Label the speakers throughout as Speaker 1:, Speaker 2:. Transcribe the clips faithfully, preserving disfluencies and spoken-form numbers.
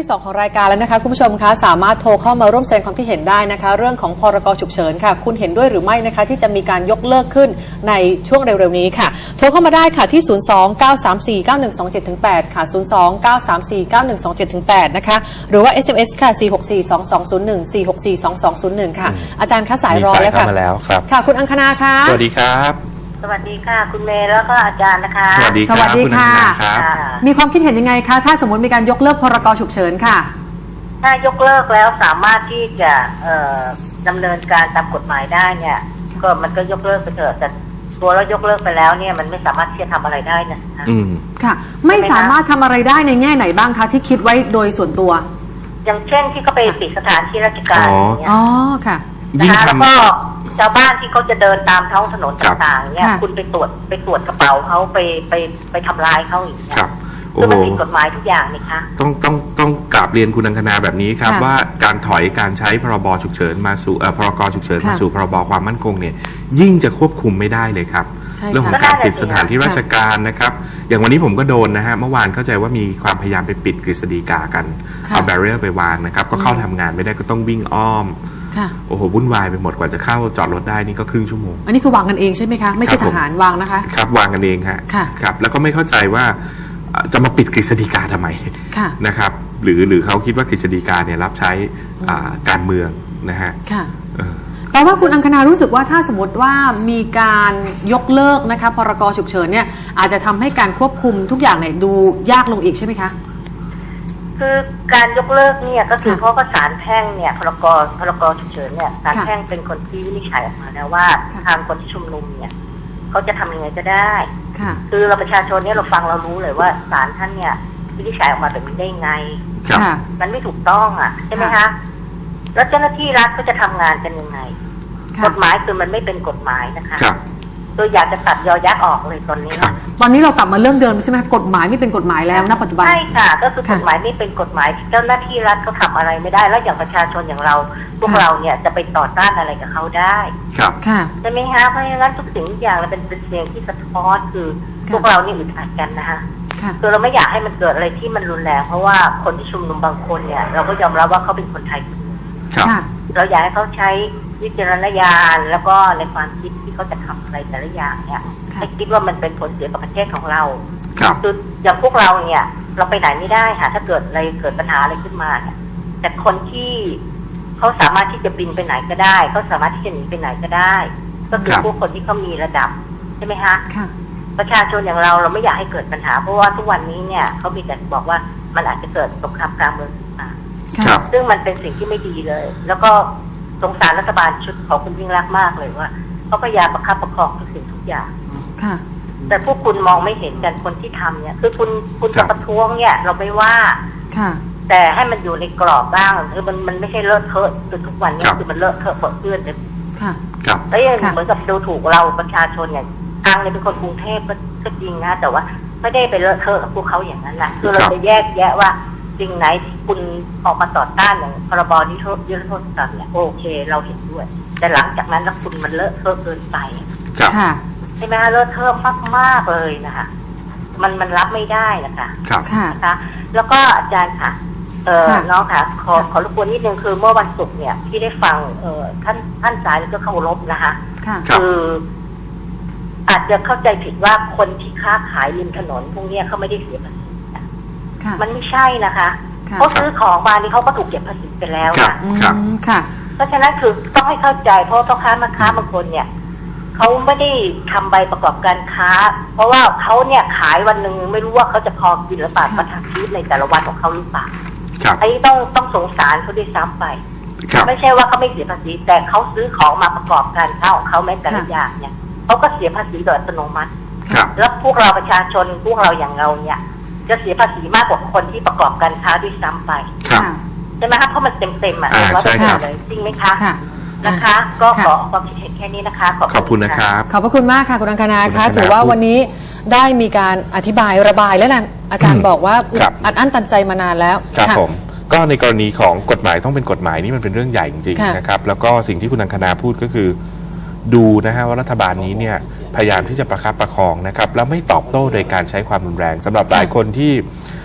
Speaker 1: วงที่สองของรายการแล้วนะคะคุณผู้ชมคะสามารถโทรเข้ามาร่วมแสดงความคิดเห็นได้นะคะเรื่องของพรกฉุกเฉินค่ะคุณเห็นด้วยหรือไม่นะคะที่จะมีการยกเลิกขึ้นในช่วงเร็วๆนี้ค่ะโทรเข้ามาได้ค่ะที่ ศูนย์ สอง เก้า สาม สี่ เก้า หนึ่ง สอง เจ็ด แปด ค่ะ ศูนย์ สอง เก้า สาม สี่ เก้า หนึ่ง สอง เจ็ด แปด นะคะหรือว่า เอส เอ็ม เอส ค่ะ สี่ หก สี่ สอง สอง ศูนย์ หนึ่ง สี่ หก สี่ สอง สอง ศูนย์ หนึ่ง ค่ะอาจารย์คะสายรอแล้วค่ะ
Speaker 2: มาแล้วครับ
Speaker 1: ค่ะคุณอังคณาค่ะ
Speaker 2: สวัสดีครับ
Speaker 3: สวัสดีค่ะคุณเมย์แล้วก็อาจารย์นะคะ
Speaker 2: สวัสดีครับคุณอังคณาครับ
Speaker 1: มีความคิดเห็นยังไงคะถ้าสมมติมีการยกเลิกพรกฉุกเฉินค่ะ
Speaker 3: ถ้ายกเลิกแล้วสามารถที่จะดำเนินการตามกฎหมายได้เนี่ยก็มันก็ยกเลิกไปเถอะแต่ตัวเรายกเลิกไปแล้วเนี่ยมันไม่สามารถที่จะทำอะไรได้นะ
Speaker 1: อืมค่ะไม่สามารถทำอะไรได้ในแง่ไหนบ้างคะที่คิดไว้โดยส่วนตัว
Speaker 3: อย่างเช่นที่เขาไปปิดสถานที่ราชการอย่างเงี้ย
Speaker 1: อ๋อค่ะ
Speaker 3: นะคะแล้วก็ชาวบ้านที่เขาจะเดินตามท้องถนนต่างๆเนี่ยคุณไปตรวจไปตรวจกระเป๋าเขาไปไปไปทำลายเขาอย่างเงี้ยคือมันผิดกฎหมายทุกอย่างนี่คะ
Speaker 2: ต้องต้องต้องกราบเรียนคุณอังคณาแบบนี้ครับว่าการถอยการใช้พรบฉุกเฉินมาสู่พรกฉุกเฉินมาสู่พรบความมั่นคงเนี่ยยิ่งจะควบคุมไม่ได้เลยครับเรื่องของการปิดสถานที่ราชการนะครับอย่างวันนี้ผมก็โดนนะฮะเมื่อวานเข้าใจว่ามีความพยายามไปปิดกฤษฎีกากันเอาแบเรียร์ไปวางนะครับก็เข้าทำงานไม่ได้ก็ต้องวิ่งอ้อมโอ้โหวุ่นวายไปหมดกว่าจะเข้าจอดรถได้นี่ก็ครึ่งชั่วโมง
Speaker 1: อันนี้คือวางกันเองใช่ไหมคะไม่ใช่ทหารวางนะคะ
Speaker 2: ครับวางกันเองฮะครับแล้วก็ไม่เข้าใจว่าจะมาปิดกฤษฎีกาทำไมนะครับหรือหรือเขาคิดว่ากฤษฎีกาเนี่ยรับใช้การเมืองนะฮะ
Speaker 1: แปลว่าคุณอังคณารู้สึกว่าถ้าสมมติว่ามีการยกเลิกนะคะพรกฉุกเฉินเนี่ยอาจจะทำให้การควบคุมทุกอย่างเนี่ยดูยากลงอีกใช่ไหมคะ
Speaker 3: คือการยกเลิกเนี่ยก็คือเพราะว่าศาลแพ่งเนี่ยพรกพรกฉุกเฉินเนี่ยศาลแพ่งเป็นคนที่วินิจฉัยออกมาแล้วว่าทางคนที่ชุมนุมเนี่ยเขาจะทำยังไงก็ได้คือเราประชาชนเนี่ยเราฟังเรารู้เลยว่าศาลท่านเนี่ยวินิจฉัยออกมาแบบนี้ได้ไงมันไม่ถูกต้องอ่ะใช่ไหมคะแล้วเจ้าหน้าที่รัฐก็จะทำงานกันยังไงกฎหมายคือมันไม่เป็นกฎหมายนะคะตัวอยากจะตัดยอยักษ์ออกเลยตอนนี้
Speaker 1: ตอนนี้เรากลับมาเรื่องเดิมใช่ไหมกฎหมายไม่เป็นกฎหมายแล้วณปัจจุบัน
Speaker 3: ใช่ค่ะก็คือกฎหมายไม่เป็นกฎหมายเจ้าหน้าที่รัฐเขาทำอะไรไม่ได้แล้วอย่างประชาชนอย่างเราพวกเราเนี่ยจะไปต่อต้านอะไรกับเขาได้
Speaker 2: ครับ
Speaker 3: ใช่ไหมคะเพราะฉะนั้นทุกสิ่งทุกอย่างเราเป็นเป็นเสียงที่สะท้อนคือพวกเรานี่อึดอัดกันนะคะคือเราไม่อยากให้มันเกิดอะไรที่มันรุนแรงเพราะว่าคนที่ชุมนุมบางคนเนี่ยเราก็ยอมรับว่าเขาเป็นคนไทยเราอยากให้เขาใช้วิจารณญาณแล้วก็ในความคิดที่เขาจะทำอะไรแต่ละอย่างเนี่ยให้คิดว่ามันเป็นผลเสียกับประเทศของเราคืออย่างพวกเราเนี่ยเราไปไหนไม่ได้ค่ะถ้าเกิดอะไรเกิดปัญหาอะไรขึ้นมาเนี่ยแต่คนที่เขาสามารถที่จะบินไปไหนก็ได้เขาสามารถที่จะหนีไปไหนก็ได้ก็คือพวกคนที่เขามีระดับใช่ไหมคะประชาชนอย่างเราเราไม่อยากให้เกิดปัญหาเพราะว่าทุกวันนี้เนี่ยเขามีแต่บอกว่ามันอาจจะเกิดสงครามกลางเมืองขึ้นมาซึ่งมันเป็นสิ่งที่ไม่ดีเลยแล้วก็สงสารรัฐบาลชุดของคุณยิ่งรักมากเลยว่าเขาพยายามประคับประคองทุกสิ่งทุกอย่างแต่พวกคุณมองไม่เห็นกันคนที่ทำเนี่ยคือคุณคุณจะประท้วงเนี่ยเราไม่ว่าแต่ให้มันอยู่ในกรอบบ้างคือมันมันไม่ใช่เลอะเทอะจนทุกวันนี้คือมันเลอะเทอะเปื้อนเลยแล้วยังเหมือนกับดูถูกเราประชาชนอย่างทางเนี่ยเป็นคนกรุงเทพก็จริงนะแต่ว่าไม่ได้ไปเลอะเทอะกับพวกเขาอย่างนั้นแหละคือเราจะแยกแยะว่าสิ่งไหนที่คุณออกมาต่อต้านอย่างพรบนิรโทษนิรโทษกรรมเนี่ยโอเคเราเห็นด้วยแต่หลังจากนั้นแล้วคุณมันเลอะเทอะเกินไปใช่ไหมคะเลอะเทอะมากมากเลยนะคะมันมันรับไม่ได้นะคะนะคะแล้วก็อาจารย์ค่ะเออน้องค่ะขอขอรบกวนนิดนึงคือเมื่อวันศุกร์เนี่ยที่ได้ฟังเออท่านท่านสายแล้วก็เคารพนะคะคืออาจจะเข้าใจผิดว่าคนที่ค้าขายริมถนนพวกนี้เขาไม่ได้เสียภาษีมันไม่ใช่นะคะเขาซื้อของมานี่เขาก็ถูกเก็บภาษีไปแล้วค่ะเพราะฉะนั้นคือต้องให้เข้าใจเพราะพ่อค้าแม่ค้าบางคนเนี่ยเขาไม่ได้ทำใบประกอบการค้าเพราะว่าเขาเนี่ยขายวันหนึ่งไม่รู้ว่าเขาจะพอกินหรือเปล่าประทังชีวิตในแต่ละวันของเขาหรือเปล่าอันนี้ต้องต้องสงสารเขาด้วยซ้ำไปไม่ใช่ว่าเขาไม่เสียภาษีแต่เขาซื้อของมาประกอบการค้าของเขาแม้แต่ละอย่างเนี่ยเขาก็เสียภาษีโดยอัตโนมัติแล้วพวกเราประชาชนพวกเราอย่างเราเนี่ยจะเสียภาษีมากกว่าคนที่ประกอบการค้าด้วยซ้ำไปใช่ไหมคะเพราะมันเต็มเต็มอ่ะร้อยเปอร์เซ็นต์เลยจริงไหมคะนะคะก็ขอความคิดเห็นแค่นี้นะคะ
Speaker 2: ขอบคุณนะครับ
Speaker 1: ขอบพระคุณมากค่ะคุณอังคณาคะถือว่าวันนี้ได้มีการอธิบายระบายและอาจารย์บอกว่าอัดอั้นตันใจมานานแล้ว
Speaker 2: ครับผมก็ในกรณีของกฎหมายต้องเป็นกฎหมายนี่มันเป็นเรื่องใหญ่จริงๆนะครับแล้วก็สิ่งที่คุณอังคณาพูดก็คือดูนะฮะว่ารัฐบาลนี้เนี่ยพยายามที่จะประคับประคองนะครับแล้วไม่ตอบโต้โดยการใช้ความรุนแรงสำหรับหลายคนที่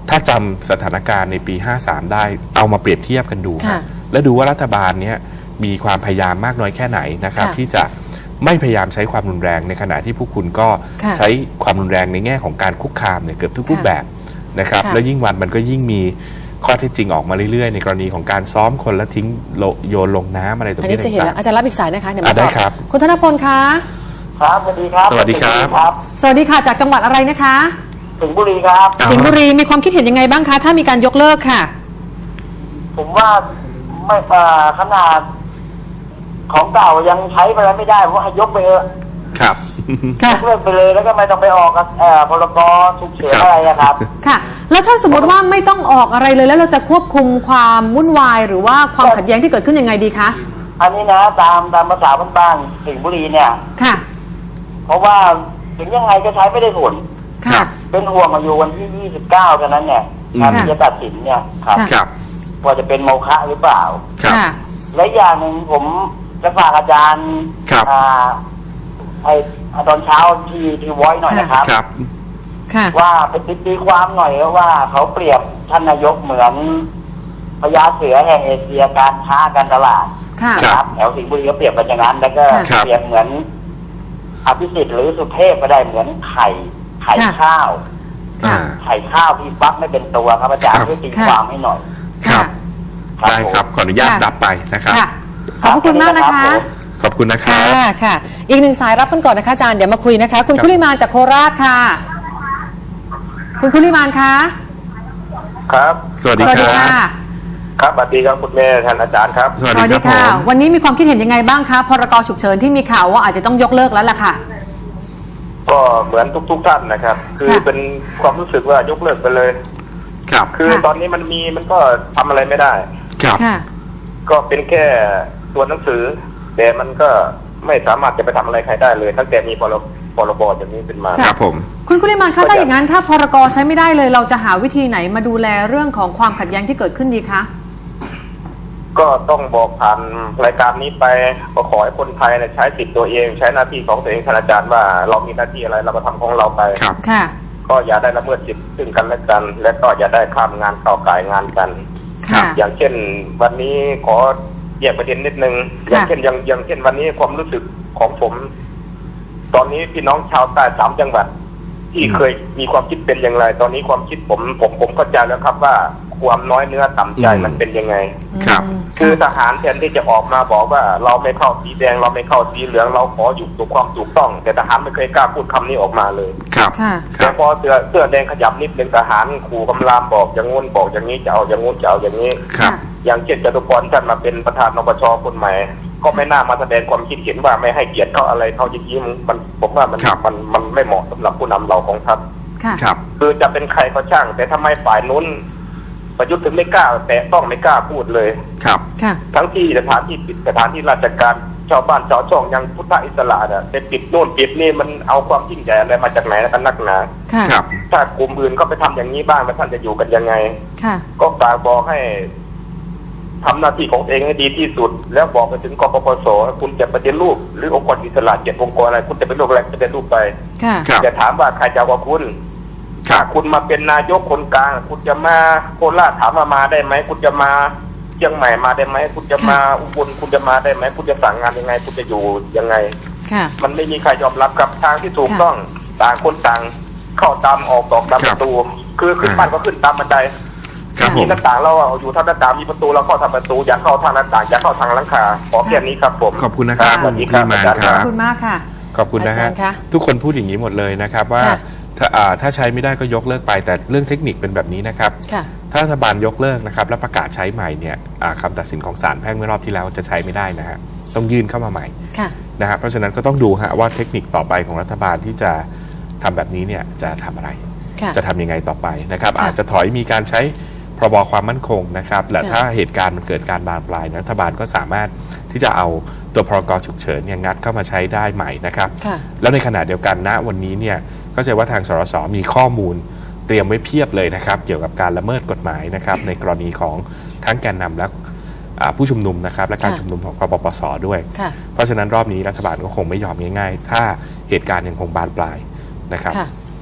Speaker 2: ถ้าจำสถานการณ์ในปี ห้าสาม ได้เอามาเปรียบเทียบกันดูครับแล้วดูว่ารัฐบาลเนี้ยมีความพยายามมากน้อยแค่ไหนนะครับที่จะไม่พยายามใช้ความรุนแรงในขณะที่พวกคุณก็ใช้ความรุนแรงในแง่ของการคุกคามเนี่ยเกือบทุกรูปแบบนะครับแล้วยิ่งวันมันก็ยิ่งมีข้อเท็จจริงออกมาเรื่อยๆในกรณีของการซ้อมคนแล้วทิ้งโยนลงน้ำอะไรตรงนี้
Speaker 1: อันนี้จะเห็นแล้วอาจารย์รับอีกสายนะคะเดี๋ยวมา
Speaker 2: ได้ครับ
Speaker 1: คุณธนพลคะ
Speaker 4: ครับสวัสดีครับ
Speaker 2: สวัสดีครับ
Speaker 1: สวัสดีค่ะจากจังหวัดอะไรนะคะ
Speaker 4: สิงห์บุรีครับ
Speaker 1: สิงห์บุรีมีความคิดเห็นยังไงบ้างคะถ้ามีการยกเลิกค่ะ
Speaker 4: ผมว่าไม่อ่าขนาดของเก่ายังใช้ไปแล้วไม่ได้เพราะให้ยกไปเถอะ
Speaker 2: ครับ
Speaker 1: ค่ะ
Speaker 4: ยกเลิกไปเลยแล้วก็ไม่ต้องไปออกกับเอ่อพรกฉุกเฉินอะไรอะครับ
Speaker 1: ค่ะ แล้วถ้าสมมติว่าไม่ต้องออกอะไรเลยแล้วเราจะควบคุมความวุ่นวายหรือว่าความขัดแย้งที่เกิดขึ้นยังไงดีคะ
Speaker 4: อันนี้นะตามตามภาษาบ้านๆสิงห์บุรีเนี่ย
Speaker 1: ค่ะ
Speaker 4: เพราะว่าถึงยังไงก็ใช้ไม่ได้ผล
Speaker 1: ค่ะ
Speaker 4: เป็นห่วงมาอยู่วันที่ยี่สิบเก้ากันนั้นเนี่ยการที่จะตัดสินเนี่ยครับ
Speaker 2: ครับ
Speaker 4: ว่าจะเป็นโมฆะหรือเปล่า
Speaker 2: ครับ
Speaker 1: ค่ะ
Speaker 4: และอย่างหนึ่งผมจะฝากอาจารย์
Speaker 2: ครับ
Speaker 4: อ่าไอตอนเช้าที่ที่ไว้หน่อยนะครับ
Speaker 2: ครับ
Speaker 1: ค่ะ
Speaker 4: ว่าเป็นตีความหน่อยว่าเขาเปรียบท่านนายกเหมือนพญาเสือแห่งเอเชียการค้าการตลาด
Speaker 1: ค่ะ
Speaker 4: นะครับแถวสิงห์บุรีก็เปรียบกันอย่างนั้นแล้วก็
Speaker 2: ครับ
Speaker 4: เปรียบเหมือนอภิสิทธิ์หรือสุเทพก็ได้เหมือนไข่ไข่ข้าว
Speaker 1: ค่ะ
Speaker 4: ไข่ข้าวที่ฟักไม่เป็นตัวครับอาจารย์ช่วยตีความให้หน่อย
Speaker 2: ครับ
Speaker 4: ครับ
Speaker 2: ได้ครับ ขออนุญาต
Speaker 1: ค่ะ
Speaker 2: รับไปนะครับ
Speaker 1: ค่ะ ขอบพระคุณมากนะคะ
Speaker 2: ขอบคุณนะครั
Speaker 1: ค่ะ
Speaker 2: บ
Speaker 1: ค่ะ อีกหนึ่งสายรับกันก่อนนะคะอาจารย์เดี๋ยวมาคุยนะคะ คุณ
Speaker 2: ครับ
Speaker 1: คุลิมานจากโคราชค่ะ คุณคุลิมานคะ
Speaker 5: ครับ
Speaker 2: สวัสดี
Speaker 1: สวัส
Speaker 2: ค
Speaker 1: ดี
Speaker 2: รับ
Speaker 1: ค่ะ
Speaker 5: ครับสวัสดีครับคุณแม่ท่านอาจารย์ครับ
Speaker 2: สวัสดีครับผม
Speaker 1: วันนี้มีความคิดเห็นยังไงบ้างคะพรกฉุกเฉินที่มีข่าวว่าอาจจะต้องยกเลิกแล้วล่ะค่ะ
Speaker 5: ก็เหมือนทุกๆท่านนะครับ คือ
Speaker 1: ค่ะ
Speaker 5: เป็นความรู้สึกว่ายกเลิกไปเลย
Speaker 2: ครับ
Speaker 5: คือ
Speaker 1: ค่ะ
Speaker 5: ตอนนี้มันมีมันก็ทำอะไรไม่ได้
Speaker 2: ครับ
Speaker 1: ค่ะ
Speaker 5: ก็เป็นแค่ตัวหนังสือ แต่มันก็ไม่สามารถจะไปทำอะไรใครได้เลย ตั้งแต่มีพรบพรบอย่างนี้เป็นมา
Speaker 2: ครับผม
Speaker 1: คุณคุลิมานคะถ้าอย่างนั้นถ้าพรกใช้ไม่ได้เลย เราจะหาวิธีไหนมาดูแลเรื่องของความขัดแย้งที่เกิดขึ้นดีคะ
Speaker 5: ก็ต้องบอกผ่านรายการนี้ไปก็ขอให้คนไทยเนี่ยใช้สิทธิ์ตัวเอง ใช้หน้าที่ของตัวเองท่านอาจารย์ว่าเรามีหน้าที่อะไรเราก็ทำของเราไป
Speaker 2: ครับ
Speaker 1: ค่ะ
Speaker 5: ก็อย่าได้ละเมิดสิทธิ์ซึ่งกันและกัน และก็อย่าได้ข้ามงานเข้าก่ายงานกัน
Speaker 1: ค่ะ
Speaker 5: อย่างเช่นวันนี้ขอแยกประเด็นนิดนึง
Speaker 1: ค่ะ
Speaker 5: อย่างเช่นอย่างอย่างเช่นวันนี้ความรู้สึกของผม ตอนนี้พี่น้องชาวใต้สามจังหวัด ที่เคยมีความคิดเป็นอย่างไร ตอนนี้ความคิดผมผมผมเข้าใจแล้วครับว่าความน้อยเนื้อต่ำใจ
Speaker 2: อืม
Speaker 5: มันเป็นยังไง
Speaker 2: ครับ
Speaker 1: อืม
Speaker 5: คือทหารแทนที่จะออกมาบอกว่า เราไม่เข้าสีแดงเราไม่เข้าสีเหลืองเราขออยู่ถูกความถูกต้อง แต่ทหารไม่เคยกล้าพูดคำนี้ออกมาเลย
Speaker 2: ครับ
Speaker 1: ค่ะ
Speaker 2: ค
Speaker 5: แต่
Speaker 2: รับ
Speaker 5: พอเสื้อเสื้อแดงขยับนิดนึงทหารขู่กำรามบอกอย่างงู้นบอกอย่างนี้จะเอาอย่างงู้นจะเอาอย่างนี้
Speaker 2: ครับ
Speaker 5: อย่างเช่นจตุพรท่านมาเป็นประธานนปชคนใหม่ ก็ไม่น่ามาแสดงความคิดเห็นว่าไม่ให้เกียรติเขาอะไรเขาอย่างนี้มันผมว่ามัน
Speaker 2: ครับ
Speaker 5: มันมันไม่เหมาะสำหรับผู้นำเราของทัพ
Speaker 1: ค่ะ
Speaker 2: ครับ
Speaker 5: คือจะเป็นใครก็ช่าง แต่ทำไมฝ่ายนู้นประยุทธ์ถึงไม่กล้า แต่ต้องไม่กล้าพูดเลย
Speaker 2: ครับ
Speaker 1: ค่ะ
Speaker 5: ทั้งที่สถานที่ปิดสถานที่ราชการชาวบ้านชาวช่องยังพุทธอิสระเนี่ยไปปิดโน่นปิดนี่มันเอาความยิ่งใหญ่อะไรมาจากไหนกันนักหนา
Speaker 1: ค่ะ
Speaker 2: ครับ
Speaker 5: ถ้ากลุ่มอื่นก็ไปทำอย่างนี้บ้างแล้วท่านจะอยู่กันยังไง
Speaker 1: ค่ะ
Speaker 5: ก็ฝากบอกให้ทำหน้าที่ของตัวเองให้ดีที่สุด แล้วบอกไปถึงกปปสคุณจะปฏิรูปหรือองค์กรอิสระเจ็ดองค์กรอะไรคุณจะเป็นรูปอะไรจะเป็นรูปไป
Speaker 1: ค่ะ
Speaker 2: ครับ
Speaker 5: อย่าถามว่าใครจะเอากว่าคุณ
Speaker 2: ครั
Speaker 5: ถ้า
Speaker 2: บ
Speaker 5: คุณมาเป็นนายกคนกลาง คุณจะมาโคราชถามว่ามาได้ไหมคุณจะมาเชียงใหม่มาได้ไหมคุณจะมาอุบลคุณจะมาได้ไหมคุณจะสั่งงานยังไง คุณจะอยู่ยังไง
Speaker 1: ค่ะ
Speaker 5: มันไม่มีใครยอมรับกับทางที่ถูก
Speaker 1: ค่ะ
Speaker 5: ต้องต่างคนต่างเข้าตามออกออกตามประตู คือขึ้นบ้านก็ขึ้นตามบันได
Speaker 2: ครับผ
Speaker 5: มี
Speaker 2: ม
Speaker 5: หน้าต่างเราอยู่ทางหน้าต่างมีประตูเราเข้าทางประตูอย่าเข้าทางหน้าต่างอย่าเข้าทางหลังคาขอแค่นี้ครับผม
Speaker 2: ขอบคุณนะครับ
Speaker 5: สวัสดีครับ
Speaker 2: คุณ
Speaker 5: อา
Speaker 2: ลี
Speaker 5: จารย์
Speaker 2: มาน
Speaker 5: ค
Speaker 2: ครั
Speaker 5: รับ
Speaker 1: ขอบคุณมากค่ะ
Speaker 2: ขอบคุณนะ
Speaker 1: อาจา
Speaker 2: ฮะ
Speaker 1: รย์คะ
Speaker 2: ทุกคนพูดอย่างนี้หมดเลยนะครับว่า
Speaker 1: ค่ะ
Speaker 2: ถ้าอ่าถ้าใช้ไม่ได้ก็ยกเลิกไป แต่เรื่องเทคนิคเป็นแบบนี้นะครับ
Speaker 1: ค่ะ
Speaker 2: ถ้ารัฐบาลยกเลิกนะครับแล้วประกาศใช้ใหม่เนี่ยอ่าคำตัดสินของศาลแพ่งเมื่อรอบที่แล้วจะใช้ไม่ได้นะฮะต้องยื่นเข้ามาใหม่
Speaker 1: ค่ะ
Speaker 2: นะฮะเพราะฉะนั้นก็ต้องดูฮะว่าเทคนิคต่อไปของรัฐบาลที่จะทำแบบนี้เนี่ยจะทำอะไร
Speaker 1: ค่ะ
Speaker 2: จะทำยังไงต่อไปนะครับ
Speaker 1: ค่ะ
Speaker 2: อาจจะถอยมีการใช้พรบความมั่นคงนะครับและ
Speaker 1: ค่ะ
Speaker 2: ถ้าเหตุการณ์มันเกิดการบานปลายรัฐบาลก็สามารถที่จะเอาตัวพรกฉุกเฉินเนี่ยงัดเข้ามาใช้ได้ใหม่นะครับ
Speaker 1: ค่ะ
Speaker 2: แล้วในขณะเดียวกันณวันนี้เนี่ยก็จะว่าทางสรสมีข้อมูลเตรียมไว้เพียบเลยนะครับ เกี่ยวกับการละเมิดกฎหมายนะครับในกรณีของทั้งแกนนำและอ่าผู้ชุมนุมนะครับและการ
Speaker 1: ค่ะ
Speaker 2: ชุมนุมของกปปสด้วย
Speaker 1: ค่ะ
Speaker 2: เพราะฉะนั้นรอบนี้รัฐบาลก็คงไม่ยอมง่ายๆ ถ้าเหตุการณ์ยังคงบานปลายนะครับ
Speaker 1: ค่ะ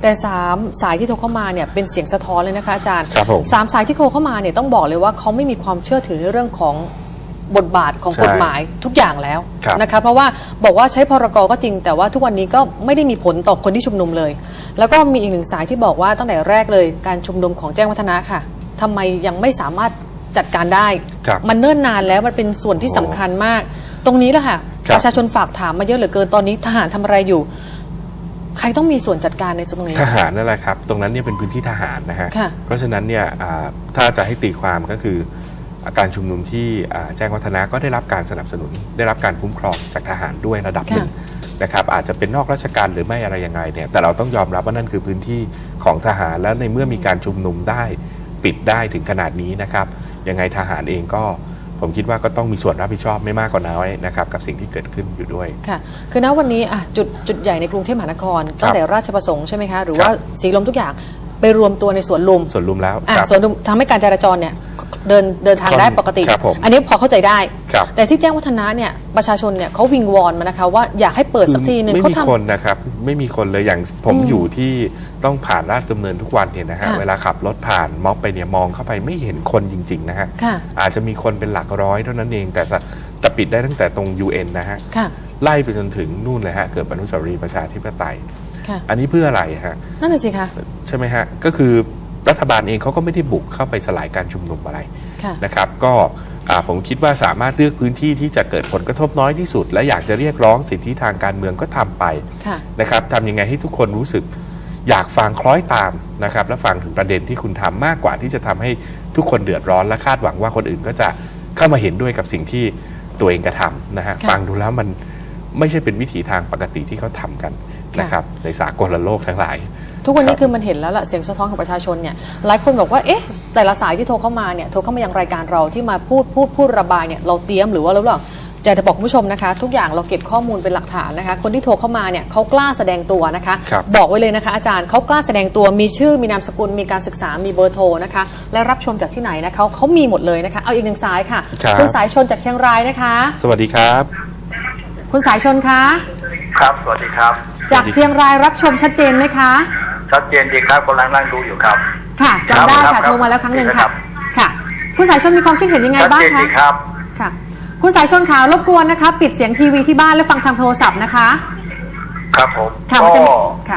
Speaker 1: แต่สามสายที่โทรเข้ามาเนี่ยเป็นเสียงสะท้อนเลยนะคะอาจารย์
Speaker 2: ครับผม
Speaker 1: สามสายที่โทรเข้ามาเนี่ยต้องบอกเลยว่าเขาไม่มีความเชื่อถือในเรื่องของบทบาทของ
Speaker 2: ใช่
Speaker 1: กฎหมายทุกอย่างแล้ว
Speaker 2: ครับ
Speaker 1: นะคะเพราะว่าบอกว่าใช้พรกก็จริง แต่ว่าทุกวันนี้ก็ไม่ได้มีผลต่อคนที่ชุมนุมเลย แล้วก็มีอีกหนึ่งสายที่บอกว่าตั้งแต่แรกเลยการชุมนุมของแจ้งวัฒนะค่ะทำไมยังไม่สามารถจัดการได้
Speaker 2: ครับ
Speaker 1: มันเนิ่นนานแล้วมันเป็นส่วนที่สำคัญมาก ตรงนี้แหละค่ะ
Speaker 2: ครับ
Speaker 1: ประชาชนฝากถามมาเยอะเหลือเกินตอนนี้ทหารทำอะไรอยู่ ใครต้องมีส่วนจัดการในตรงนี้
Speaker 2: ทหารนั่นแหละครับ ตรงนั้นเนี่ยเป็นพื้นที่ทหารนะฮะ
Speaker 1: ค่ะ
Speaker 2: เพราะฉะนั้นเนี่ยอ่าถ้าจะให้ตีความก็คือการชุมนุมที่อ่าแจ้งวัฒนะก็ได้รับการสนับสนุน ได้รับการคุ้มครองจากทหารด้วยระดับหนึ่งนะครับอาจจะเป็นนอกราชการหรือไม่อะไรยังไงเนี่ยแต่เราต้องยอมรับว่านั่นคือพื้นที่ของทหารแล้วในเมื่อมีการชุมนุมได้ปิดได้ถึงขนาดนี้นะครับยังไงทหารเองก็ผมคิดว่าก็ต้องมีส่วนรับผิดชอบไม่มากกว่าน้อยนะครับกับสิ่งที่เกิดขึ้นอยู่ด้วย
Speaker 1: ค่ะ คือณวันนี้อ่ะจุดจุดใหญ่ในกรุงเทพมหานครตั้งแต่ราชประสงค์ใช่ไหมคะ หรือว่าสีลมทุกอย่างไปรวมตัวในสวนลุม
Speaker 2: ส่วนลุมแล้ว
Speaker 1: อ่ะ
Speaker 2: ครับ
Speaker 1: สวนลุมทำให้การจราจรเนี่ยเดินเดินทางได้ปกติ
Speaker 2: ครับผม
Speaker 1: อันนี้พอเข้าใจได้
Speaker 2: ครับ
Speaker 1: แต่ที่แจ้งวัฒนะเนี่ยประชาชนเนี่ยเขาวิงวอนมานะคะว่าอยากให้เปิดสักทีหนึ่ง
Speaker 2: ไม่
Speaker 1: เขา
Speaker 2: มี
Speaker 1: ทำ
Speaker 2: คนนะครับไม่มีคนเลยอย่างผม
Speaker 1: อืม
Speaker 2: อยู่ที่ต้องผ่านราชดำเนินทุกวันเนี่ยนะฮะ
Speaker 1: ค่ะ
Speaker 2: เวลาขับรถผ่านม็อบไปเนี่ยมองเข้าไปไม่เห็นคนจริงๆนะฮะ
Speaker 1: ค่ะ
Speaker 2: อาจจะมีคนเป็นหลักร้อยเท่านั้นเองแต่สะแต่ปิดได้ตั้งแต่ตรง ยู เอ็น นะฮะ
Speaker 1: ค่ะ
Speaker 2: ไล่ไปจนถึงนู่นเลยฮะเกิดอนุสาวรีย์ประชาธิปไตย
Speaker 1: ค่ะ
Speaker 2: อันนี้เพื่ออะไรฮะ
Speaker 1: นั่นน่ะสิคะ
Speaker 2: ใช่ไหมฮะก็คือรัฐบาลเองเขาก็ไม่ได้บุกเข้าไปสลายการชุมนุมอะไร
Speaker 1: ค่ะ
Speaker 2: นะครับก็อ่าผมคิดว่าสามารถเลือกพื้นที่ที่จะเกิดผลกระทบน้อยที่สุด และอยากจะเรียกร้องสิทธิทางการเมืองก็ทำไป
Speaker 1: ค่ะ
Speaker 2: นะครับทำยังไงให้ทุกคนรู้สึกอยากฟังคล้อยตามนะครับและฟังถึงประเด็นที่คุณทำมากกว่าที่จะทำให้ทุกคนเดือดร้อนและคาดหวังว่าคนอื่นก็จะเข้ามาเห็นด้วยกับสิ่งที่ตัวเองกระทำนะฮะ
Speaker 1: ค่ะ
Speaker 2: ฟังดูแล้วมันไม่ใช่เป็นวิถีทางปกติที่เขาทำกัน
Speaker 1: ค่ะ
Speaker 2: นะครับในสากลโลกทั้งหลาย
Speaker 1: ทุกวันนี้
Speaker 2: ครับ
Speaker 1: คือมันเห็นแล้วล่ะเสียงสะท้อนของประชาชนเนี่ยหลายคนบอกว่าเอ๊ะแต่ละสายที่โทรเข้ามาเนี่ยโทรเข้ามายังรายการเราที่มาพูดพูดพูดระบายเนี่ยเราเตรียมหรือว่าเราหรออยากจะบอกคุณผู้ชมนะคะ ทุกอย่างเราเก็บข้อมูลเป็นหลักฐานนะคะคนที่โทรเข้ามาเนี่ยเขากล้าแสดงตัวนะคะ
Speaker 2: ครับ
Speaker 1: บอกไว้เลยนะคะอาจารย์เขากล้าแสดงตัวมีชื่อมีนามสกุลมีการศึกษามีเบอร์โทรนะคะและรับชมจากที่ไหนนะคะเขามีหมดเลยนะคะเอาอีกหนึ่งสายค่ะ
Speaker 2: ครับ
Speaker 1: ณสายชนจากเชียงรายนะคะ
Speaker 2: สวัสดีครับ
Speaker 1: คุณสายชนคะ
Speaker 4: ครับสวัสดีครับ
Speaker 1: จากเชียงรายรับชมชัดเจนไหมคะ
Speaker 4: ชัดเจนดีครับกำลังนั่งดูอยู่ครับ
Speaker 1: ค่ะจำได้
Speaker 4: ครั
Speaker 1: ค่ะ
Speaker 4: บ
Speaker 1: โทรมาแล้วครั้งหนึ่ง
Speaker 4: ครั
Speaker 1: ค่ะ
Speaker 4: บ
Speaker 1: ค่ะ คุณสายชนมีความคิดเห็นยังไง
Speaker 4: ชัด
Speaker 1: บ้าง
Speaker 4: เจน
Speaker 1: คะ
Speaker 4: ดีครับ
Speaker 1: ค่ะ คุณสายชนขาวรบกวนนะคะ ปิดเสียงทีวีที่บ้านและฟังทางโทรศัพท์นะคะ
Speaker 4: ครับผม
Speaker 1: ค่ะ
Speaker 4: ก็
Speaker 1: มันจะมีค่ะ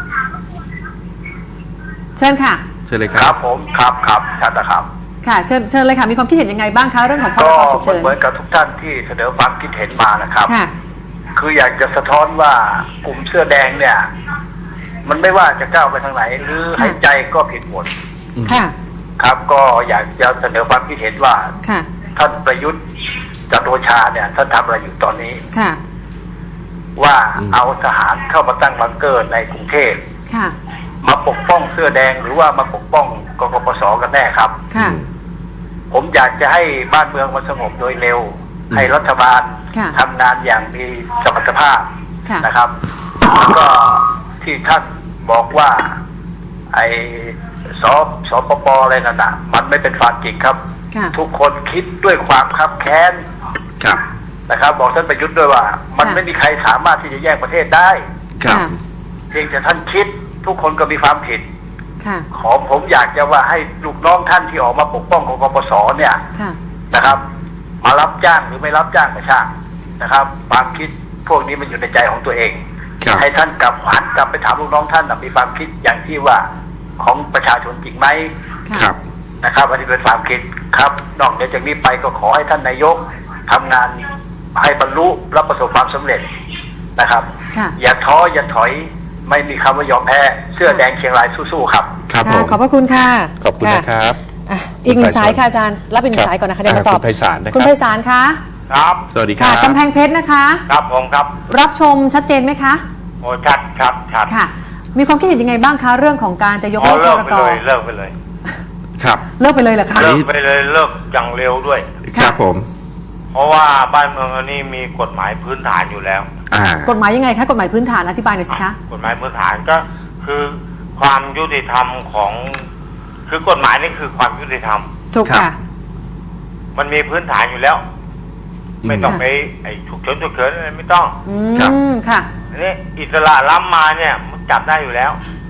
Speaker 1: เชิญค่ะ
Speaker 2: เชิญเลยค
Speaker 4: ค
Speaker 2: รั
Speaker 4: รั
Speaker 2: บบ
Speaker 4: ผมครับครับชัดนะครับ
Speaker 1: ค่ะเชิญเชิญเลยค่ะมีความคิดเห็นยังไงบ้างคะเรื่องของพร
Speaker 4: ก็
Speaker 1: กฉุกเฉิน
Speaker 4: เหมือนกับทุกท่านที่เสนอความคิดเห็นมานะครับ
Speaker 1: ค่ะ
Speaker 4: คืออยากจะสะท้อนว่ากลุ่มเสื้อแดงเนี่ย มันไม่ว่าจะก้าวไปทางไหน หรือ
Speaker 1: ค่ะ
Speaker 4: หายใจก็ผิดหมด
Speaker 1: ค่ะ
Speaker 4: ครับ ก็อยากจะเสนอความคิดเห็นว่า
Speaker 1: ค่ะ
Speaker 4: ท่านประยุทธ์จันทร์โอชาเนี่ยท่านทำอะไรอยู่ตอนนี้
Speaker 1: ค่ะ
Speaker 4: ว่า
Speaker 2: อืม
Speaker 4: เอาทหารเข้ามาตั้งบังเกอร์ในกรุงเทพ
Speaker 1: ค่ะ
Speaker 4: มาปกป้องเสื้อแดงหรือว่ามาปกป้องกกปสกันแน่ครับ
Speaker 1: ค่ะ
Speaker 4: ผมอยากจะให้บ้านเมืองมันสงบโดยเร็ว
Speaker 2: อืม
Speaker 4: ให้รัฐบาล
Speaker 1: ค่ะ
Speaker 4: ทำงานอย่างมีสมรรถภาพ
Speaker 1: ค่ะ
Speaker 4: นะครับแล้วก็ที่ท่านบอกว่า ไอ้สสปปอะไรนั่นน่ะมันไม่เป็นความจริงครับ
Speaker 1: ค่ะ
Speaker 4: ทุกคนคิดด้วยความคับแค้น
Speaker 2: ครับ
Speaker 4: นะครับ บอกท่านประยุทธ์ด้วยว่า มัน
Speaker 1: ค่ะ
Speaker 4: ไม่มีใครสามารถที่จะแยกประเทศได้
Speaker 2: ครับ
Speaker 4: เพียงแต่ท่านคิดทุกคนก็มีความผิด
Speaker 1: ค่ะ
Speaker 4: ขอผมอยากจะว่าให้ลูกน้องท่านที่ออกมาปกป้องกกปสเนี่ย
Speaker 1: ค่ะ
Speaker 4: นะครับ มารับจ้างหรือไม่รับจ้างก็ช่างนะครับความคิดพวกนี้มันอยู่ในใจของตัวเอง
Speaker 2: ครับ
Speaker 4: ให้ท่านกลับหันกลับไปถามลูกน้องท่านน่ะมีความคิดอย่างที่ว่าของประชาชนจริงไหม
Speaker 1: ค่ะ
Speaker 2: ครับ
Speaker 4: นะครับ อันนี้เป็นความคิดครับ นอกจากนี้ไปก็ขอให้ท่านนายกทำงานให้บรรลุและประสบความสำเร็จนะครับ
Speaker 1: ค่ะ
Speaker 4: อย่าท้ออย่าถอยไม่มีคำว่ายอมแพ้เสื้อแดงเชียงรายสู้ๆครับ
Speaker 2: ครับผ
Speaker 1: ค่ะ
Speaker 2: ม
Speaker 1: ขอบพระคุณค่ะ
Speaker 2: ขอบคุณนะครับ
Speaker 1: อ่ะอีกหนึ่งสายค่ะอาจารย์รับอีกหนึ่งสายก่อนนะคะเดี๋ยวมาตอบ
Speaker 2: คุณไพศาลนะครับ
Speaker 1: คุณไพศาลคะ
Speaker 4: ครับ
Speaker 2: สวัสดีค
Speaker 1: ค่ะ
Speaker 2: รับ
Speaker 1: กำแพงเพชรนะคะ
Speaker 4: ครับผมครับ
Speaker 1: รับชมชัดเจนไหมคะ
Speaker 4: โอ้ชัดครับชัด
Speaker 1: ค่ะ มีความคิดเห็นยังไงบ้างคะเรื่องของการจะยก
Speaker 4: อ๋อ
Speaker 1: เลิก
Speaker 4: เลิ
Speaker 1: พ
Speaker 4: ก
Speaker 1: ร
Speaker 4: ไป
Speaker 1: ก
Speaker 4: เลยเลิกไปเลย
Speaker 2: ครับ
Speaker 1: เลิกไปเลยเหรอคะ
Speaker 2: อัน
Speaker 4: เลิ
Speaker 2: นี้
Speaker 4: กไปเลยเลิกอย่างเร็วด้วย
Speaker 2: ครับผม
Speaker 4: เพราะว่าบ้านเมืองอันนี้มีกฎหมายพื้นฐานอยู่แล้ว
Speaker 2: อ่าก
Speaker 1: ฎหมายยังไงคะกฎหมายพื้นฐานอธิบายหน่อยสิคะ
Speaker 4: กฎหมายพื้นฐานก็คือความยุติธรรมของ คือกฎหมายนี่คือความยุติธรรม
Speaker 1: ถูกค่ะ
Speaker 4: มันมีพื้นฐานอยู่แล้ว
Speaker 2: อืม
Speaker 4: ไม่ต้องไปไอ้ฉุกเฉินฉุกเฉินอะไรไม่ต้อง
Speaker 1: อื
Speaker 2: ครับ
Speaker 1: มค่ะ
Speaker 4: อันนี้อิสระล้ำมาเนี่ยมันจับได้อยู่แล้ว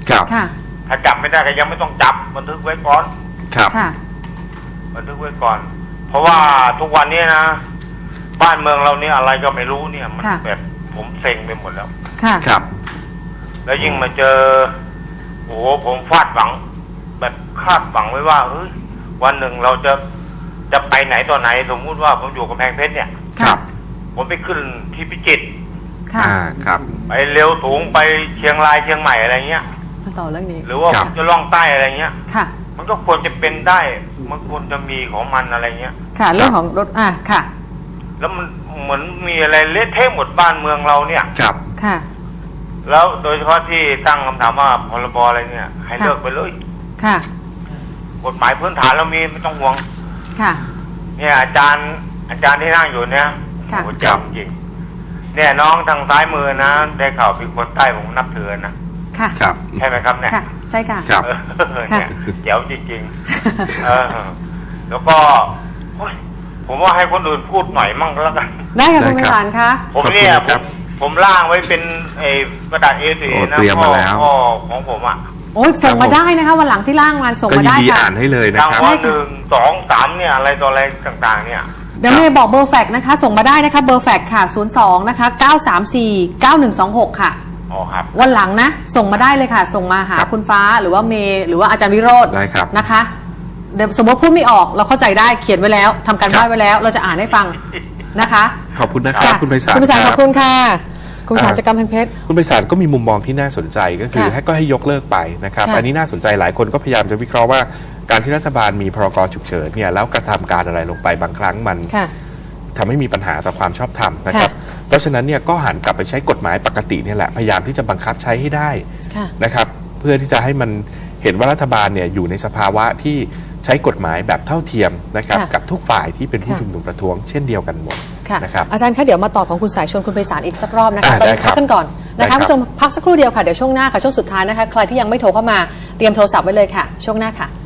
Speaker 2: ครับ
Speaker 1: ค่ะ
Speaker 6: ถ้าจับไม่ได้ก็ยังไม่ต้องจับบันทึกไว้ก่อน
Speaker 2: ครับ
Speaker 1: ค่ะ
Speaker 6: บันทึกไว้ก่อน เพราะว่าทุกวันนี้นะบ้านเมืองเราเนี่ยอะไรก็ไม่รู้เนี่ยมัน
Speaker 1: ค่ะ
Speaker 6: แบบผมเซ็งไปหมดแล้ว
Speaker 1: ค่ะ
Speaker 2: ครับ
Speaker 6: แล้วยิ่งมาเจอโอ้โหผมฟาดหวัง แบบคาดหวังไว้ว่าเฮ้ยวันหนึ่งเราจะจะไปไหนต่อไหน สมมุติว่าผมอยู่กำแพงเพชรเนี่ย
Speaker 2: ครับ
Speaker 6: ผมไปขึ้นที่พิจิตร
Speaker 1: ค่ะ
Speaker 2: อ่าครับ
Speaker 6: ไปเร็วสูงไปเชียงรายเชียงใหม่อะไรเงี้ย
Speaker 1: มาต่อเรื่องนี้
Speaker 6: หรือว่า
Speaker 2: ครั
Speaker 6: ผ
Speaker 2: บ
Speaker 6: มจะล่องใต้อะไรเงี้ย
Speaker 1: ค่ะ
Speaker 6: มันก็ควรจะเป็นได้ มันควรจะมีของมันอะไรเงี้ย
Speaker 1: ค่ะ เรื่องของรถ อ่าค่ะ
Speaker 6: แล้วมันเหมือนมีอะไรเละเทะหมดบ้านเมืองเราเนี่ย
Speaker 2: ครับ
Speaker 1: ค่ะ
Speaker 6: แล้วโดยเฉพาะที่ตั้งคำถามว่าพรบอะไรเนี่ย ให้
Speaker 1: ค่ะ
Speaker 6: เลิกไปเลย
Speaker 1: ค่ะ
Speaker 6: กฎหมายพื้นฐานเรามีไม่ต้องห่วง
Speaker 1: ค่ะ
Speaker 6: เนี่ยอาจารย์อาจารย์ที่นั่งอยู่เนี่ย
Speaker 1: ค่ะ
Speaker 6: โอ้โหจำจริงเนี่ยน้องทางซ้ายมือนะ ได้ข่าวเป็นคนใต้ผมนับถือนะ
Speaker 1: ค่ะ
Speaker 2: ครับ
Speaker 6: ใช่ไหมครับเนี่ย
Speaker 1: ค่ะ ใช่ค่ะ
Speaker 2: ครับ
Speaker 6: เออ
Speaker 1: ค่ะ
Speaker 6: เนี่ยเจ๋วจริงๆเออแล้วก็โอ๊ยผมว่าให้คนอื่นพูดหน่อยมั่งก็แล้วกัน
Speaker 1: ได้ค่ะ
Speaker 2: ได้
Speaker 1: คุณไพ
Speaker 2: ครับ
Speaker 1: ศาลคะ
Speaker 6: ผมเนี่ย
Speaker 2: ขอบคุณครับ
Speaker 6: ผมผมล่างไว้เป็นไอ้กระดาษ เอ สี่
Speaker 2: โอ้
Speaker 6: นะ
Speaker 2: เตรียมมาแล้ว
Speaker 6: พ่อของผมอ่ะ
Speaker 1: โอ้ยส่งมาได้นะคะวันหลังที่ล่างมาส่ง
Speaker 2: ก็
Speaker 1: มา
Speaker 2: ยิน
Speaker 1: ได้
Speaker 2: ดี
Speaker 1: ค่ะ
Speaker 2: อ่านให้เลยนะ
Speaker 6: ราง
Speaker 2: ครับ
Speaker 6: วัลหนึ่งสองสามเนี่ยอะไรต่ออะไรต่างๆ เนี่ย
Speaker 1: เดี๋ยวเมย์บอกเบอร์แฟกซ์นะคะ ส่งมาได้นะคะ เบอร์แฟกซ์ค่ะ ศูนย์ สอง นะคะ เก้า สาม สี่ เก้า หนึ่ง สอง หก ค่ะ
Speaker 6: อ๋อครับ
Speaker 1: วันหลังนะ ส่งมาได้เลยค่ะ ส่งมาหา
Speaker 2: ครับ
Speaker 1: คุณฟ้าหรือว่าเมย์หรือว่าอาจารย์วิโรจน์
Speaker 2: ได้ครับ
Speaker 1: นะคะเดี๋ยวสมมติพูดไม่ออกเราเข้าใจได้เขียนไว้แล้วทำการบ้านไว้แล้ว เราจะอ่านให้ฟังนะคะ
Speaker 2: ขอบคุณนะครับคุณไพศาล
Speaker 1: คุณไพศาล
Speaker 2: ค
Speaker 1: ข
Speaker 2: รั
Speaker 1: อบคุณค่ะ คุณไพศาลจากกำแพงเพชร
Speaker 2: คุณไพศาลก็มีมุมมองที่น่าสนใจก็คือ
Speaker 1: ค่ะ
Speaker 2: ให้ก็ให้ยกเลิกไปนะครับ
Speaker 1: ค่ะ
Speaker 2: อันนี้น่าสนใจหลายคนก็พยายามจะวิเคราะห์ว่าการที่รัฐบาลมีพรกฉุกเฉินเนี่ยแล้วกระทำการอะไรลงไปบางครั้งมัน
Speaker 1: ค่ะ
Speaker 2: ทำให้มีปัญหาต่อความชอบธรรมนะครับ เพราะฉะนั้นเนี่ยก็หันกลับไปใช้กฎหมายปกติเนี่ยแหละพยายามที่จะบังคับใช้ให้ได้
Speaker 1: ค่ะ
Speaker 2: นะครับเพื่อที่จะให้มันเห็นว่ารัฐบาลเนี่ยอยู่ในสภาวะที่ใช้กฎหมายแบบเท่าเทียมนะครับ
Speaker 1: ค่ะ
Speaker 2: กับทุกฝ่ายที่เป็นผู้
Speaker 1: ค่ะ
Speaker 2: ชุมนุมประท้วงเช่นเดียวกันหมด
Speaker 1: ค่ะ
Speaker 2: นะครับ
Speaker 1: อาจารย์คะเดี๋ยวมาตอบของคุณสายชวนคุณไพศาลอีกสักรอบนะคะ
Speaker 2: อ่า
Speaker 1: ตอน
Speaker 2: ได้
Speaker 1: นี้
Speaker 2: ครั
Speaker 1: พั
Speaker 2: บ
Speaker 1: กกันก่อน
Speaker 2: ได้
Speaker 1: นะ
Speaker 2: ครั
Speaker 1: คะ
Speaker 2: บ
Speaker 1: ผู้ชมพักสักครู่เดียวค่ะเดี๋ยวช่วงหน้าค่ะช่วงสุดท้ายนะคะใครที่ยังไม่โทรเข้ามาเตรียมโทรศัพท์ไว้เลยค่ะช่วงหน้าค่ะ